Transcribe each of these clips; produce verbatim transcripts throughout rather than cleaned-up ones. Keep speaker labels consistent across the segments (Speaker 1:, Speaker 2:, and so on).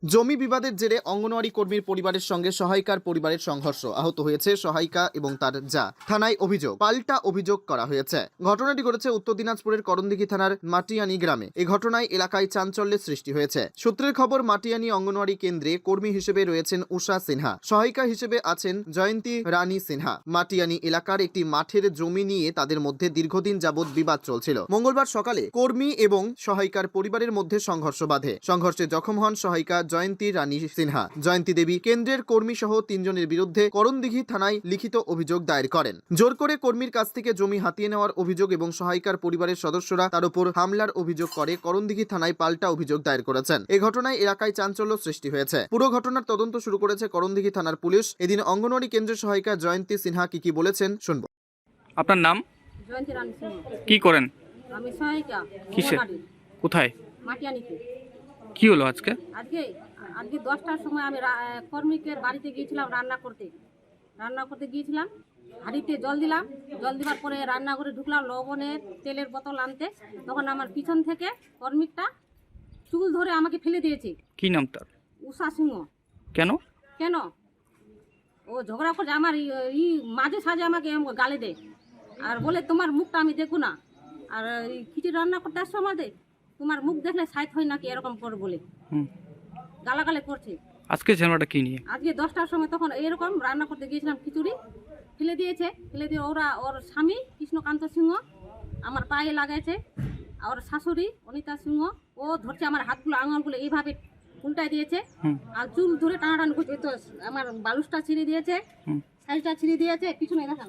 Speaker 1: জমি বিবাদের জেরে অঙ্গনওয়াড়ি কর্মীর পরিবারের সঙ্গে সহায়িকার পরিবারের সংঘর্ষ, আহত হয়েছে সহায়িকা এবং তার জা। থানায় অভিযোগ, পাল্টা অভিযোগ করা হয়েছে। ঘটনাটি ঘটেছে উত্তর দিনাজপুরের করণদিঘি থানার মাটিয়ানি গ্রামে। এই ঘটনায় এলাকায় চাঞ্চল্যের সৃষ্টি হয়েছে। সূত্রের খবর, মাটিয়ানি অঙ্গনওয়াড়ি কেন্দ্রে কর্মী হিসেবে রয়েছেন উষা সিনহা, সহায়িকা হিসেবে আছেন জয়ন্তী রানী সিনহা। মাটিয়ানি এলাকার একটি মাঠের জমি নিয়ে তাদের মধ্যে দীর্ঘদিন যাবৎ বিবাদ চলছিল। মঙ্গলবার সকালে কর্মী এবং সহায়িকার পরিবারের মধ্যে সংঘর্ষ বাধে। সংঘর্ষে জখম হন সহায়িকা জয়ন্তী রানী সিনহা। জয়ন্তী দেবী কেন্দ্রের কর্মী সহ তিনজনের বিরুদ্ধে করণদিঘি থানায় লিখিত অভিযোগ দায়ের করেন। জোর করে কর্মীর কাছ থেকে জমি হাতিয়ে নেওয়ার অভিযোগ এবং সহায়িকার পরিবারের সদস্যরা তার উপর হামলার অভিযোগ করে করণদিঘি থানায় পাল্টা অভিযোগ দায়ের করেছেন। এই ঘটনায় এলাকায় চাঞ্চল্য সৃষ্টি হয়েছে। পুরো ঘটনার তদন্ত শুরু করেছে করণদিঘি থানার পুলিশ। এদিন অঙ্গনওয়াড়ি কেন্দ্রের সহায়িকা জয়ন্তী সিনহা কি কি বলেছেন শুনবো।
Speaker 2: আপনার নাম?
Speaker 3: জয়ন্তী রানী সিংহ।
Speaker 2: কি করেন?
Speaker 3: আমি সহায়িকা।
Speaker 2: কিসে? কোথায়?
Speaker 3: মাটিয়ানিতে।
Speaker 2: কি হলো আজকে?
Speaker 3: আজকে আজকে দশটার সময় আমি কর্মীকের বাড়িতে গিয়েছিলাম রান্না করতে রান্না করতে গিয়েছিলাম হাঁড়িতে জল দিলাম। জল দেওয়ার পরে রান্না করে ঢুকলাম লবণের তেলের বোতল আনতে। তখন আমার পিছন থেকে কর্মীটা চুল ধরে আমাকে ফেলে দিয়েছে।
Speaker 2: কি নাম তার?
Speaker 3: উষা সিংহ।
Speaker 2: কেন?
Speaker 3: কেন ও ঝগড়া করছে আমার ই মাঝে সাঝে আমাকে গালে দেয় আর বলে তোমার মুখটা আমি দেখো না, আর খিচুড়ি রান্না করতে আসছো আমাদের, তোমার মুখ দেখলে সাইড হয় নাকি, এরকম করে বলে গালাগালে করছে।
Speaker 2: আজকে ঝামেলাটা কি নিয়ে?
Speaker 3: আজকে দশটার সময় তখন এরকম রান্না করতে গিয়েছিলাম, খিচুড়ি ফেলে দিয়েছে। ফেলে দিয়ে ওরা ওর স্বামী কৃষ্ণকান্ত সিংহ আমার পায়ে লাগাইছে, আর শাশুড়ি অনিতা সিংহ ও ধরছে আমার হাতগুলো আঙুলগুলো এইভাবে উল্টাই দিয়েছে আর চুল ধরে টানাটানি করছে। তো আমার বালুসটা ছিঁড়ে দিয়েছে, সাইজটা ছিঁড়ে দিয়েছে। পিছনে দেখান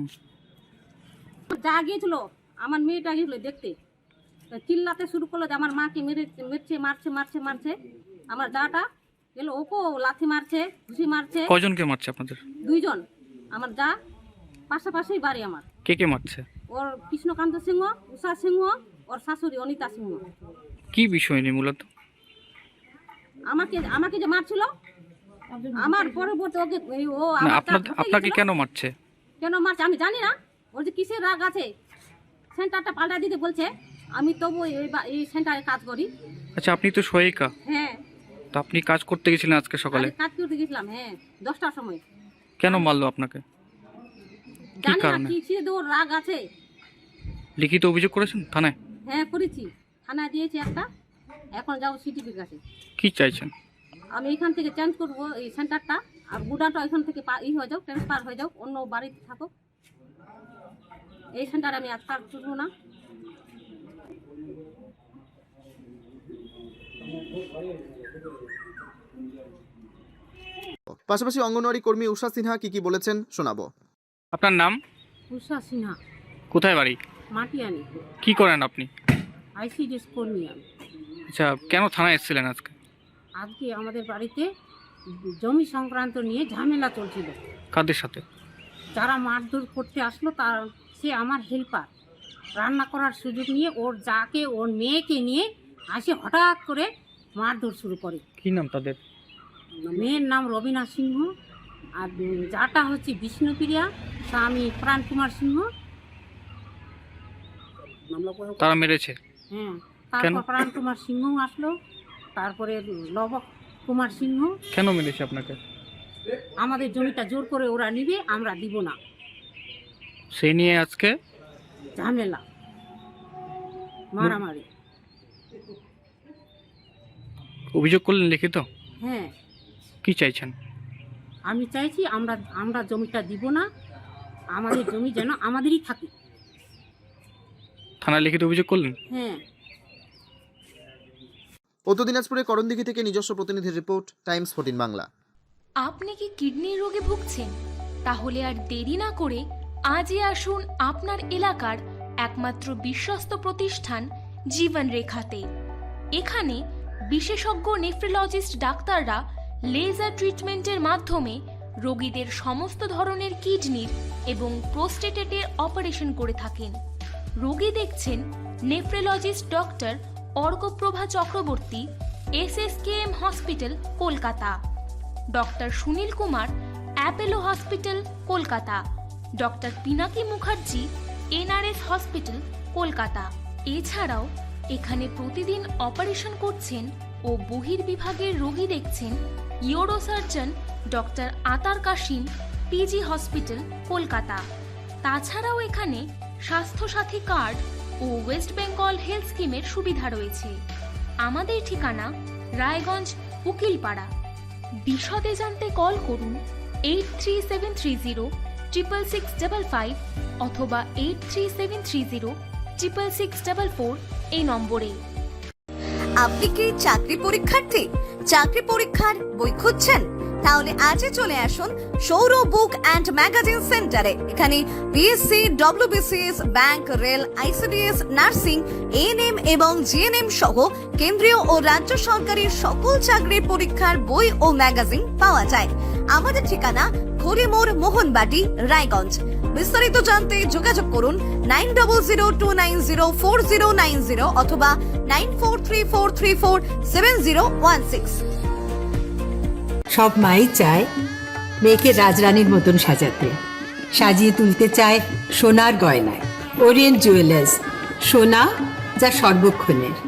Speaker 3: যা গিয়েছিল আমার মেয়েটা গিয়েছিল দেখতে, চিল্লাতে শুরু করলো যে আমার মাকে মেরে মেরছে মারছে মারছে মারছে আমার দাটা গেল, ওকেও লাথি মারছে, ঘুষি মারছে।
Speaker 2: কয়জনকে মারছে আপনাদের?
Speaker 3: দুইজন। আমার দা পাশাপাশি বাড়ি আমার।
Speaker 2: কে কে মারছে?
Speaker 3: ওর কৃষ্ণকান্ত সিংহ, উষা সিংহ, ওর শাশুড়ি অনিতা সিংহ।
Speaker 2: কি বিষয় নিয়ে মূলত?
Speaker 3: আমাকে আমাকে যে মারছিল আমার পরবর্তী ওকে ও
Speaker 2: আপনাকে কেন মারছে?
Speaker 3: কেন মারছে আমি জানি না। ওর যে কিসের রাগ আছে, সেন্টারটা পাল্টা দিতে বলছে। আমি তবু এই সেন্টারে কাজ করি।
Speaker 2: আচ্ছা, আপনি তো সহায়িকা।
Speaker 3: হ্যাঁ।
Speaker 2: তো আপনি কাজ করতে গেছিলেন আজকে সকালে?
Speaker 3: কাজ করতে গেছিলাম, হ্যাঁ, দশটার সময়।
Speaker 2: কেন মারলো আপনাকে? কি কারণে?
Speaker 3: কিসের ওর রাগ আছে।
Speaker 2: লিখিত অভিযোগ করেছেন থানায়?
Speaker 3: হ্যাঁ করেছি, থানায় দিয়েছি একটা। এখন যাবো সিটিপির কাছে।
Speaker 2: কি চাইছেন?
Speaker 3: আমি এখান থেকে চেঞ্জ করবো এই সেন্টারটা, আর গুডাটা এখান থেকে ই হয়ে যাও, ট্রান্সফার হয়ে যাও, অন্য বাড়িতে থাকো। এই সেন্টারে আমি আর কাজ করবো না।
Speaker 1: পাশাপাশি অঙ্গনওয়াড়ি কর্মী উষা সিনহা কি কি বলেছেন শোনাবো।
Speaker 2: আপনার নাম?
Speaker 3: উষা সিনহা।
Speaker 2: কোথায় বাড়ি?
Speaker 3: মাটিয়ানি।
Speaker 2: কি করেন আপনি?
Speaker 3: আইসিডিএস কর্মী আমি।
Speaker 2: আচ্ছা, কেন থানায় এসেছিলেন আজকে?
Speaker 3: আজকে আমাদের বাড়িতে জমি সংক্রান্ত নিয়ে ঝামেলা চলছিল।
Speaker 2: কাদের সাথে?
Speaker 3: যারা মারধর করতে আসলো তার সে আমার হেল্পার, রান্না করার সুযোগ নিয়ে ওর যাকে ওর মেয়েকে নিয়ে আসে হঠাৎ করে মারধর শুরু করে।
Speaker 2: কি নাম তাদের?
Speaker 3: মেয়ের নাম রবিনা সিংহ, আর যাটা হচ্ছে বিষ্ণুপ্রিয়া, স্বামী প্রাণ কুমার সিংহ।
Speaker 2: তারা মেরেছে?
Speaker 3: হ্যাঁ, তারপর প্রাণ কুমার সিংহ আসলো, তারপরে লব কুমার সিংহ।
Speaker 2: কেন মেরেছে আপনাকে?
Speaker 3: আমাদের জমিটা জোর করে ওরা নিবে, আমরা দিব না,
Speaker 2: সেই নিয়ে আজকে
Speaker 3: ঝামেলা মারামারি।
Speaker 2: অভিযোগ করলেন লিখিত?
Speaker 3: হ্যাঁ।
Speaker 2: কি চাইছেন?
Speaker 3: আমি চাইছি আমরা আমরা জমিটা দিব না, আমাদের জমি যেন আমাদেরই থাকে।
Speaker 2: থানায় লিখিত অভিযোগ করলেন?
Speaker 3: হ্যাঁ।
Speaker 1: উত্তর দিনাজপুরের করণদিঘি থেকে নিজস্ব প্রতিনিধির রিপোর্ট, টাইমস ফোরটিন বাংলা।
Speaker 4: আপনি কি কিডনি রোগে ভুগছেন? তাহলে আর দেরি না করে আজই আসুন আপনার এলাকার একমাত্র বিশ্বস্ত প্রতিষ্ঠান জীবন রেখাতে। এখানে বিশেষজ্ঞ নেফ্রোলজিস্ট ডাক্তাররা লেজার ট্রিটমেন্টের মাধ্যমে রোগীদের সমস্ত ধরনের কিডনির এবং প্রোস্টেটেটের অপারেশন করে থাকেন। রোগী দেখছেন nephrologist doctor Arkaprabha Chakraborty, S S K M hospital, Kolkata. Doctor Sunil Kumar, Apollo hospital, Kolkata. Doctor Pinaki Mukherjee, N R S hospital, Kolkata. এছাড়াও এখানে প্রতিদিন অপারেশন করছেন ও বহির্বিভাগের রোগী দেখছেন ইউরোসার্জন ডক্টর আতার কাশিম, পিজি হসপিটাল, কলকাতা। তাছাড়াও এখানে স্বাস্থ্যসাথী কার্ড ও ওয়েস্ট বেঙ্গল হেলথ স্কিমের সুবিধা রয়েছে। আমাদের ঠিকানা রায়গঞ্জ, উকিলপাড়া। বিশদে জানতে কল করুন eight three seven three zero triple six double five অথবা eight three seven three zero triple six double four এই নম্বরে।
Speaker 5: আপনি কি চাকরি পরীক্ষার্থী? চাকরি পরীক্ষার বই খুঁজছেন? তাহলে আজই চলে আসুন সৌর বুক অ্যান্ড ম্যাগাজিন সেন্টারে। এখানে BSc, WBCS, bank, rail, ICDS, nursing, ANM এবং জিএনএম সহ কেন্দ্রীয় ও রাজ্য সরকারের সকল চাকরির পরীক্ষার বই ও ম্যাগাজিন পাওয়া যায়। আমাদের ঠিকানা খড়িমোড়, মোহনবাটি, রায়গঞ্জ। বিস্তারিত জানতে যোগাযোগ করুন nine double zero two nine zero four zero nine zero অথবা nine four three four three four seven zero one six.
Speaker 6: সব মাই চায় মেয়েকে রাজরানীর মতন সাজাতে, সাজিয়ে তুলতে চায় সোনার গয়নায়। ওরিয়েন্ট জুয়েলার্স, সোনা যা সর্বক্ষণের।